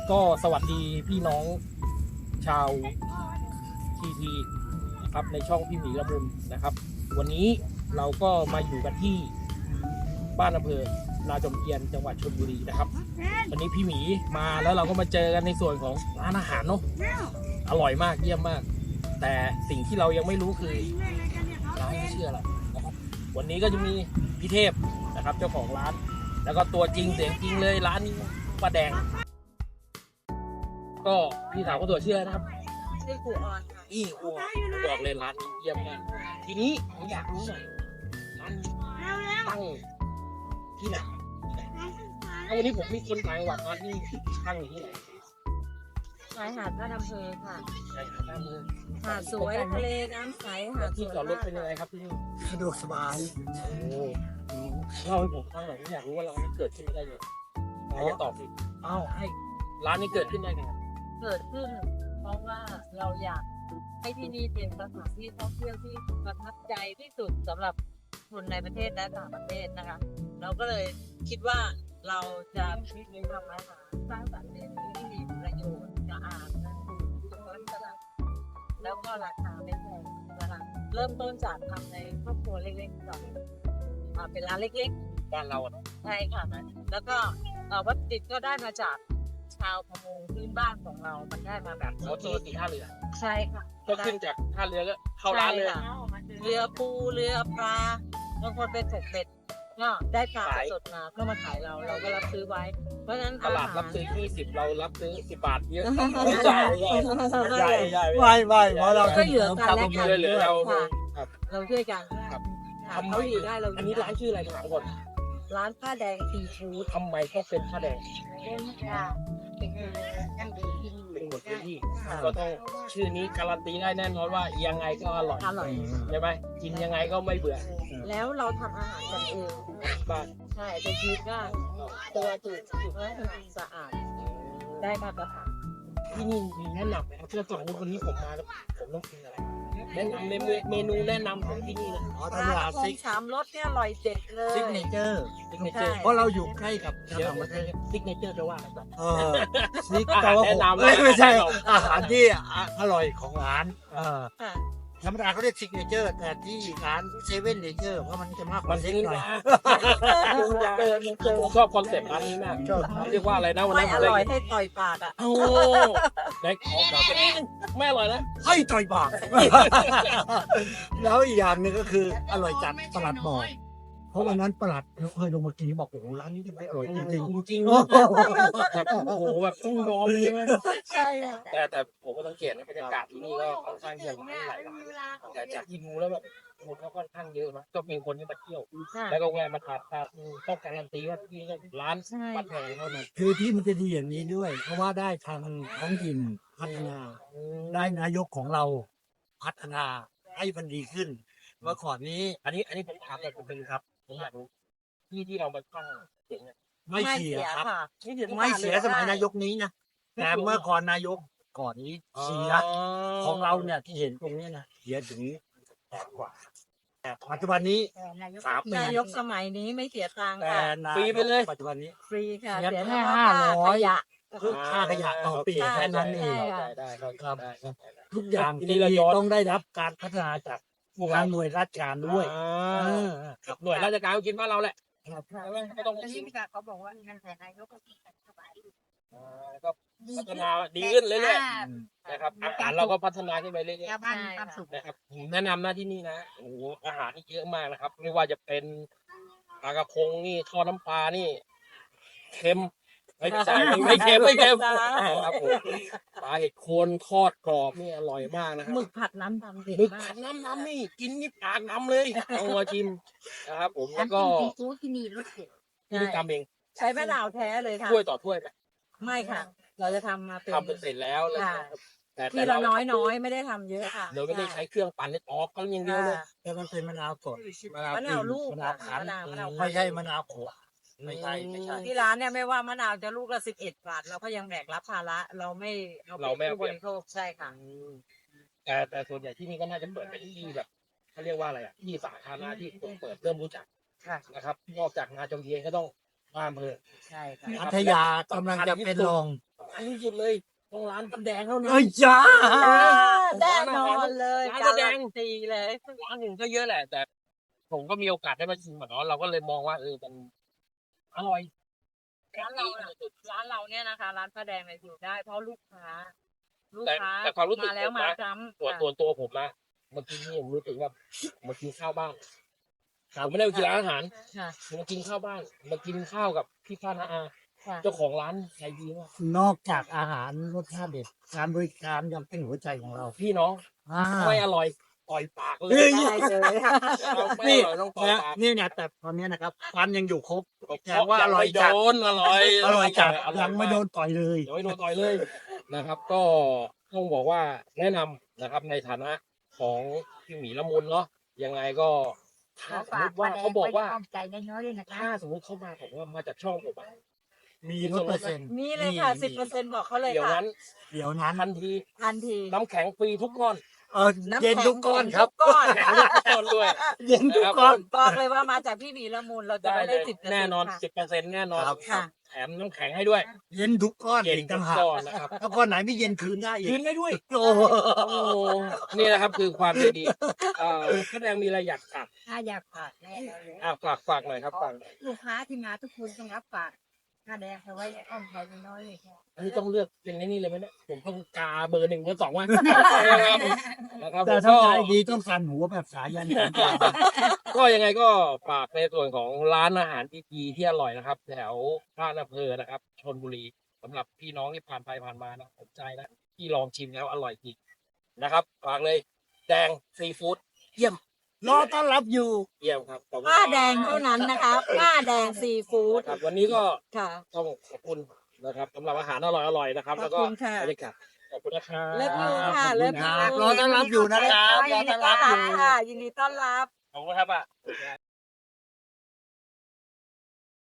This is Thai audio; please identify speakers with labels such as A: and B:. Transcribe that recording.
A: ก็สวัสดีพี่น้องชาวทีทีนะครับในช่องพี่หมีละมุนนะครับ วันนี้เราก็มาอยู่กันที่บ้านอำเภอนาจอมเทียนจังหวัดชลบุรีนะครับวันนี้พี่หมีมาแล้วเราก็มาเจอกันในส่วนของร้านอาหารเนาะอร่อยมากเยี่ยมมาก แต่สิ่งที่เรายังไม่รู้คือร้านนี้ชื่ออะไรนะครับวันนี้ก็จะมีพี่เทพนะครับเจ้าของร้าน แล้วก็ตัวจริงเสียงจริงเลยร้านนี้ป้าแดงก็พี่สาวก็ตัวเชื่อนะครับ
B: ชื่อครูออนค่ะ
A: นี่ครัวบอกเลยร้านนี้เยี่ยมมากทีนี้ผมอยากรู้หน่อยร้านนี้ตั้งที่ไหนถ้าวันนี้ผมมีคนต่างจังหวัดร้านนี้ตั้งอยู่ที่ไหน
B: ชายหาดบ้านอำเภอค่ะ
A: ใช่ครับหน้าเมือง
B: หาดสวยทะเลน้ำใสหาดส
A: ที่
B: วย
A: จอดรถ
B: มาก
A: เป็นยังไงครับที่นี่
C: สะดวกสบาย
A: โอ้เล่าให้ผมฟังหน่อยผมอยากรู้ว่าร้านนี้เกิดขึ้นได้ยังไงใครจะตอบสิอ้าวให้ร้านนี้เกิดขึ้นได้ไง
B: เกิดขึ้น เพราะว่าเราอยากให้ที่นี่เป็นสถานที่ท่องเที่ยวที่ประทับใจที่สุดสำหรับคนในประเทศและต่างประเทศนะคะ เราก็เลยคิดว่าเราจะทำอาหารสร้างสรรค์เมนูที่มีประโยชน์สะอาดและถูกสุขลักษณะแล้วก็ราคาไม่แพงนะคะเริ่มต้นจากทำในครอบครัวเล็กๆก่อนเป็นร้านเล็กๆ
A: บ้านเราอะ
B: ใช่ค่ะแล้วก็วัตถุดิบก็ได้มาจากชาวประมงพื้นบ้านของเรา มันได้มาแบบ
A: เขาตีท่าเรือ
B: ใช่ค่ะ
A: ก็ขึ้นจากท่าเรือก็เข้าร้านเลย
B: ใช่ค่ะเรือปูเรือปลาบางคนเป็นตกเบ็ดก็ได้ปลาสดมาก็มาขายเราก็รับซื้อไว้ เพราะฉะนั้น
A: ตลาดรับซื้อ20เรารับซื้อ10 บาทเยอะ
B: ใช่
A: ใหญ่ใหญ่
C: ไม่เพราะเรา
B: ก็เหลือกันและกัน
A: เหลือเรา
B: ค่ะ
A: ครับ
B: เราช่วยกัน
A: ครับ
B: ค่ะเขาอยู่ได้เรา
A: อันนี้ร้านชื่ออะไรถามก่อน
B: ร้านผ้าแดงซีฟู้ด
A: ทำไมต้องเป็นผ้าแดง
B: ค่ะเป็นยังดีที่
A: เป็นคนพื้นที่ก็ต้องชื่อนี้การันตีได้แน่นอนว่ายังไงก็อร่อย
B: อร่อย
A: ใช่ไหมกินยังไงก็ไม่เบื่อ
B: แล้วเราทำอาหารกันเอง
A: บ้าน
B: ใช่จะคิดว่าตัวถูกและสะอาดได้มาตรฐาน
A: ที่นี่มีแนะนำไหมครับเพื่อสมมติวันนี้ผมมาแล้วผมต้องกินอะไรแนะนำเมนูแนะนำของที่นี่เลย
C: อ๋อ
B: ป
C: ต
B: ลา
C: ลาด
B: ทองสามรสเนี่ยอร่อยเด็ดเลย
C: ซิกเนเจอร์
A: ซิกเนเจอร์
C: เพราะเราอยู่ใกล้กับ
A: เดี๋ยว
C: ต่างประเทศ
A: ซิกเนเจอร์จะว่าอะไรบ้าง
C: ซิก
A: อา
C: แต่
A: หาร
C: ว่า
A: แนะนำ
C: ไม่ใช่
A: อาหารแนะนำ
C: อาหารที่อร่อยของร้าน
B: ค่ะ
C: ธรรมดาเขาเรียกซิกเนเจอร์แต่ที่ร้านเซเว่นเนเจอร์เพราะมันจะมากก
A: มั
C: ว่าน ซิ
A: ซิ
C: ก
A: ก
C: หน่อย
A: ผมชอบคอนเซ็ปต์ร้านนี้มาก
C: ชอบ
A: เรียกว่าอะไรนะวัน
B: ไม่
A: นั้น
B: อร่อยให้ต่อยปากอ่ะ
A: โอ้ได้ของแบบไม่อร่อยนะ
C: ให้ต่อยปาก แล้วอีกอย่างหนึงก็คืออร่อยจัดประหลัดบอกเพราะวันนั้นประหลัดเคยลงมากินบอกโอ้โหร้านนี้ทำไมอร่อยจริง
A: จริง
C: ๆ
A: แบบโอ้โหแบบต้องยอมเลยใช่ไหม
B: ใช่ค่ะ
A: แต่ผมก็สังเกตนะบรรยากาศที่นี่ก็ค่อนข้างเยอะหลายร้านแต่จากที่ดูแล้วแบบคนก็ค่อนข้างเยอะนะก็มีคนที่มาเที่ยว แล้วก็แวะมาทานข้าวต้องการันตีว่าที่นี่ร้านปัดแพงเท่านั้น
C: คือที่มันจะดีอย่างนี้ด้วย เพราะว่าได้ทางท้องถิ่นพัฒนา ได้นายกของเราพัฒนาให้มันดีขึ้นเมื่อก่อนนี้
A: อันนี้ผมถามแต่ผมเป็นครับผมอยากรู้ที่เราไปตั้งเสียงเนี่ย
C: ไม่เสียครับ
B: ค่ะ
C: ไม่เสียสมัยนายกนี้นะแต่เมื่อก่อนนายกก่อนนี้เสียของเราเนี่ยที่เห็นตรงนี้นะเสียถึง8 กว่าแต่ปัจจุบันนี้3 ปี
B: นายกสมัยนี้ไม่เสียตังค์
C: แต่
B: ค่ะ
C: นาย
A: ฟรีไปเลย
C: ปัจจุบันนี้
B: ฟรีค่ะ
C: เสีย
B: เสีย
C: แค่
B: เฉพาะ
C: 500
B: ขยะ
C: คือค่าขยะต่อปีแค่นั้นเอง
A: ได้ครับ
C: ครับ
A: ได้ครับ
C: ทุกอย่าง
A: ทีนี้
C: ที่
A: เราย้อน
C: ต้องได้รับการพัฒนาจากทางหน่วยราชการด้วย
A: ครับหน่วยราชการก็คิดว่าเราแหละ
C: ครับ
A: ไม่ต้อง
B: อันนี้พี่กาเขาบอกว่าเงินแต่นายกก็มีแต่สบาย
A: ก็พัฒนาดีขึ้นเรื่อยๆนะครับอาหารเราก็พัฒนาขึ้นไปเรื่อย
B: ชาวบ้านมีความสุข
A: ๆนะครับผมแนะนำหน้าที่นี่นะโอ้โหอาหารนี่เยอะมากนะครับ ไม่ว่าจะเป็นปลากระพงนี่ทอดน้ำปลานี่เค็มไม่ใช่ไม่เค็มครับผมปลาเห็ดโคนทอดกรอบนี่อร่อยมากนะครั
B: หมึกผัดน้ำดำเด็ด
A: หมึก
B: มา
A: ผั
B: ก
A: ดน้ำนี่กินนี่ปากน้ำเลยเอามาชิมนะครับ ผมแล้วก็
D: ซูที่มีรสเผ็ด
A: ที่นี่ทำเอง
B: ใช้มะนาวแท้เลยค่ะ
A: ถ้วยต่อถ้วยไหม
B: ไม่ค่ะ เราจะทำมาเป็น
A: ทำเป็นเสร็จแล้วแล้ว
B: ค่ะ
A: แต่
B: ทีละน้อยไม่ได้ทำเยอะค่ะ
A: เราไม่ได้ใช้เครื่องปั่นเลยออกกันอย่างเดียวเลย
C: แต่มันเป็นมะนาวสด
B: มะนาวลูก
C: มะนาวคั้น
B: มะนาว
C: ไม่ใช่มะนาวขวดไม่ใช่
B: ที่ร้านเนี่ยไม่ว่ามะนาวจะลูกละ11 บาทเราก็ยังแบกรับภาระเราไม่เป็นผู้บริโภคใช่ค่ะ
A: แต่ส่วนใหญ่ที่นี่ก็น่าจะเปิดเป็นที่แบบเขาเรียกว่าอะไรอ่ะที่สาธารณะที่คนเปิดเริ่มรู้จัก
B: ค่ะ
A: นะครับ นอกจากนาจอมเทียนก็ต้องมาอำเภอ
B: ใช่ค่ะ
C: พัทยากำลังจะเป็นรอง
A: อันที่สุดเลยต้องร้านป้าแดงเท่านั้น
C: เอ้ยจ้า
B: แน่นอนเลย
A: ร้าน
B: กา
A: ป้าแด
B: รง ตีเลย
A: ร้านอื่นก็เยอะแหละ แต่ผมก็มีโอกาสได้มาชิมอ่ะเนาะเราก็เลยมองว่ามันอร่อย
B: ร้านเราน่ะร้านเราเนี่ยนะคะ ร้านป้าแดงเนี่ยอยู่ได้ เพราะลูกค้า
A: แต่ความรู้สึก
B: มาแล้ว
A: ผม
B: มา
A: นะ
B: ซ้ำ
A: ตัวผมนะเมื่อกี้นี่ผมรู้สึกว่ามากินข้าวบ้านผมไม่ได้มากินร้านอาหาร
B: ค่ะ
A: ผมมากินข้าวบ้านมากินข้าวกับพี่ฟ้านาอา
B: ค่ะ
A: เจ้าของร้านใจดีมาก
C: นอกจากอาหารรสชาติเด็ดการบริการยังเป็นหัวใจของเรา
A: พี่น้อง
C: อ่า
A: ไม่อร่อยต่อยปากเลย
C: เฮ้ย
B: ได้เลยค่ะ
A: เราไม่
C: นี่
A: อร่อยต้องต่อย
C: นะ
A: ปาก
C: นี่เนี่ยแต่ตอนนี้นะครับฟันยังอยู่ครบ แสดงว่าอร่อยจัด
A: งไม่โดนอร่อย
C: อร่อยจัด
A: อร่อ
C: ยังไม่โดนต่อยเลย
A: ยังไม่โดนต่อยเลยนะครับ ก็ต้องบอกว่าแนะนำนะครับในฐานะของพี่หมีละมุนเนาะยังไงก็ถ้าสมมติว่าเขาบอกว่า
D: ใจน้อยๆด้วยนะคะ
A: ถ้าสมมติเขามาบอกว่ามาจากช่องผมอะ
C: มีลดเปอร์เซ็นต์
B: มีเลยค่ะ 10%บอกเขาเลย
A: เดี๋ยว
B: ค่ะ
A: นั้น
C: เดี๋ยวนั้น
A: ทันที
B: ทันที
A: น้ำแข็งฟรีทุกก้อน
B: น้ำ
C: เย็น
B: แข็ง
C: ทุกก้อนครับ
B: ทุกก้อน
A: ทุกก้อนด้วย
C: เย็นทุกก้อน
B: บอกเลยว่ามาจากพี่หมีละมุนเราจะ
A: ได้
B: ไม่
A: เล
B: ได้
A: ย
B: 10%
A: แน่นอน
B: ค่ะ
A: 10%แน่นอน
C: ครับ
B: ค่ะ
A: แถมน้ำแข็งให้ด้วย
C: เย็นทุกก้อน
A: เย็น
C: อีก
A: ทุ
C: ต่าง
A: ก
C: หาก
A: ก้อนนะครับ
C: ถ้าก้อนไหนไม่เย็นคืนได้อีก
A: คืนได้ด้วย
C: โอ้โห
A: โอ้นี่นะครับคือความใจดีแสดงมีอะไรอยากฝาก
D: ถ้าอยากฝากแน่เลย
A: ฝากหน่อยครับฝาก
D: ลูกค้าที่มาทุกคนต้องรับฝากค่าแดงเอาไว้ในอ้อมใจน้อยๆเลยค่ะ
A: อันนี้ต้องเลือกเป็นไอ้นี่เลยไหมเนี่ยผมต้องกาเบอร์ 1 เบอร์ 2ไว้นะครับ
C: แต่
A: ผม
C: ถ้า
A: ก็
C: ใจดีต้องสั่นหัวแบบสายันสันตา
A: ก็ยังไงก็ฝากในส่วนของร้านอาหารดีๆที่อร่อยนะครับ แถวบ้านอำเภอนะครับชลบุรีสำหรับพี่น้องที่ผ่านไปผ่านมานะผมใจนะที่ลองชิมแล้วอร่อยจริงนะครับฝากเลยแดงซีฟู้ดเยี่ยม
C: รอต้อนรับอยู่
A: เยี่ยมครับขอบคุณ
B: ป้าแดงเท่านั้นนะคะป้าแดงซีฟู้ด
A: ครับวันนี้ก็
B: ค่ะ
A: ต้องขอบคุณนะครับสำหรับอาหารอร่อยๆนะครับ แล้วก็
B: ขอบคุณค่ะ
A: บรรยากาศขอบคุณนะครับ
B: เลิฟยูค่ะ
C: ขอบ
B: เลิ
C: คุ
B: ฟ
C: ณค
B: ยู
C: รับรอต้อนรับอยู่นะครับรอต้อนรับอยู่
B: ค่ะยินดีต้อนรับ
A: ขอบคุณครับอ่ะ